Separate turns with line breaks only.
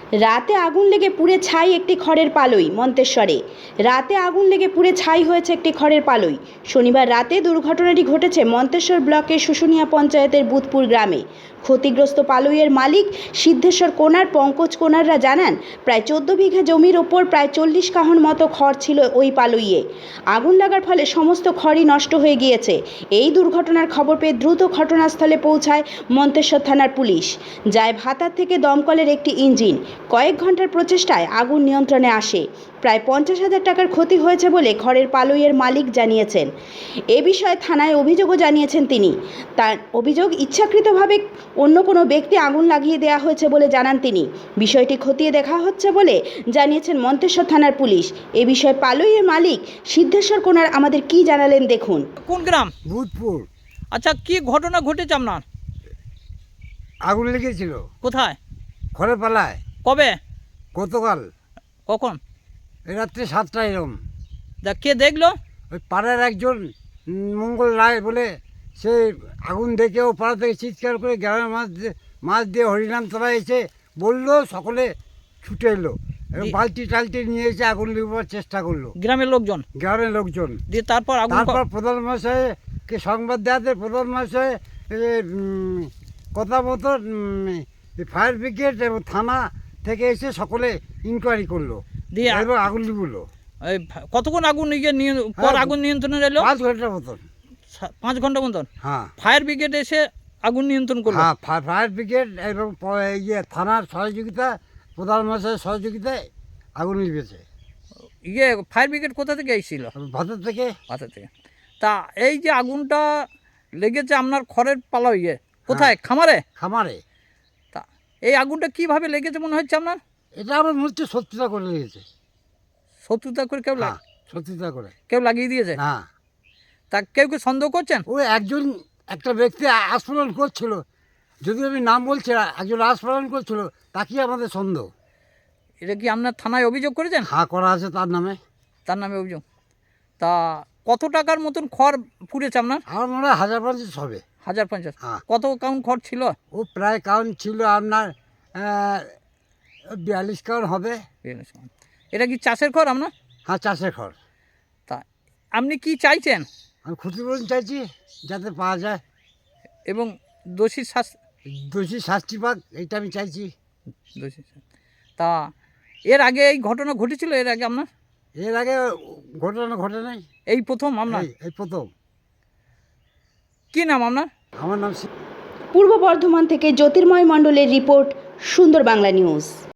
রাতে আগুন লেগে পুড়ে ছাই একটি খড়ের পালই মন্তেশ্বরে। রাতে আগুন লেগে পুড়ে ছাই হয়েছে একটি খড়ের পালই। শনিবার রাতে দুর্ঘটনাটি ঘটেছে মন্তেশ্বর ব্লকের শুশুনিয়া পঞ্চায়েতের বুধপুর গ্রামে। ক্ষতিগ্রস্ত পালইয়ের মালিক সিদ্ধেশ্বর কোনার পঙ্কজ কোনাররা জানান, প্রায় 14 বিঘা জমির ওপর প্রায় 40 কাহন মতো খড় ছিল ওই পালইয়ে। আগুন লাগার ফলে সমস্ত খড়ই নষ্ট হয়ে গিয়েছে। এই দুর্ঘটনার খবর পেয়ে দ্রুত ঘটনাস্থলে পৌঁছায় মন্তেশ্বর থানার পুলিশ। যায় ভাতার থেকে দমকলের একটি ইঞ্জিন। কয়েক ঘন্টার প্রচেষ্টায় আগুন নিয়ন্ত্রণে আসে। প্রায় 50,000 টাকার ক্ষতি হয়েছে বলে খড়ের পালইয়ের মালিক জানিয়েছেন। এ বিষয়ে থানায় অভিযোগও জানিয়েছেন তিনি। তার অভিযোগ, ইচ্ছাকৃতভাবে অন্য কোনো ব্যক্তি আগুন লাগিয়ে দেওয়া হয়েছে বলে জানান তিনি। বিষয়টি খতিয়ে দেখা হচ্ছে বলে জানিয়েছেন মন্তেশ্বর থানার পুলিশ। এ বিষয়ে পালইয়ের মালিক সিদ্ধেশ্বর কোনার আমাদের কি জানালেন দেখুন।
কোন গ্রাম?
ভূতপুর।
আচ্ছা, কি ঘটনা ঘটেছে আপনার?
আগুন লেগেছিল
কোথায়?
খড়ের পালায়।
কবে?
গতকাল
কখন?
এই রাত্রে 7টা এরম।
কে দেখলো?
ওই পাড়ার একজন মঙ্গল রায় বলে, সে আগুন দেখে ও পাড়া থেকে চিৎকার করে গ্রামের মাছ দিয়ে হরিনাম তোলা এসে বললো, সকলে ছুটে এলো এবং বালতি টালতি নিয়ে এসে আগুন লিখবার চেষ্টা করলো
গ্রামের লোকজন?
গ্রামের লোকজন।
দিয়ে তারপর
তারপর প্রধানমশাইকে সংবাদ দেওয়াতে প্রধানমশাই কথা মতো ফায়ার ব্রিগেড এবং থানা থেকে এসে সকলে ইনকোয়ারি করলো,
দিয়ে
এবং আগুন লিখলো।
কতক্ষণ আগুন পর আগুন নিয়ন্ত্রণে এলো?
5 ঘন্টার মতন।
5 ঘন্টা মতন?
হ্যাঁ।
ফায়ার ব্রিগেড এসে আগুন নিয়ন্ত্রণ করলো?
হ্যাঁ, ফায়ার ব্রিগেড এবং থানার সহযোগিতা, প্রধানমন্ত্রীর সহযোগিতায় আগুন লিখেছে।
ফায়ার ব্রিগেড কোথা থেকে এসেছিল?
ভাতার থেকে।
ভাতা থেকে। তা এই যে আগুনটা লেগেছে আপনার খড়ের পালা কোথায়? খামারে?
খামারে।
তা এই আগুনটা কিভাবে লেগেছে মনে হচ্ছে আপনার?
এটা আমার মনে হচ্ছে শত্রুতা করে লেগেছে।
শত্রুতা করে
শত্রুতা করে
কেউ লাগিয়ে দিয়েছে?
না।
তা কেউ সন্দেহ করছেন?
ওই একটা ব্যক্তি আস্ফোরণ করছিল, যদি আমি নাম বলছি না, একজন আস্ফোরণ করছিল, তাকেই আমাদের সন্দেহ।
এটা কি আপনার থানায় অভিযোগ করেছেন?
হ্যাঁ, করা আছে তার নামে।
তার নামে অভিযোগ। তা কত টাকার মতন খড় পুড়েছে আপনার?
আমার মনে হয় 1050 হবে।
1050?
হ্যাঁ।
কত কাউন্ট খড় ছিল?
ও প্রায় কাউন্ট ছিল আপনার 42 কাউন্ট হবে।
এটা কি চাষের খড় আপনার?
হ্যাঁ, চাষের খড়।
তা আপনি কি চাইছেন?
আমি ক্ষতিপূরণ চাইছি যাতে পাওয়া যায়,
এবং দোষী
শাস্তি পাক, এইটা আমি চাইছি।
তা এর আগে এই ঘটনা ঘটেছিল? এর আগে আপনার?
এর আগে ঘটনা ঘটে নাই,
এই প্রথম আপনার?
এই প্রথম।
কি নাম আপনার?
আমার নাম
পূর্ব বর্ধমান থেকে জ্যোতির্ময় মণ্ডলের রিপোর্ট, সুন্দর বাংলা নিউজ।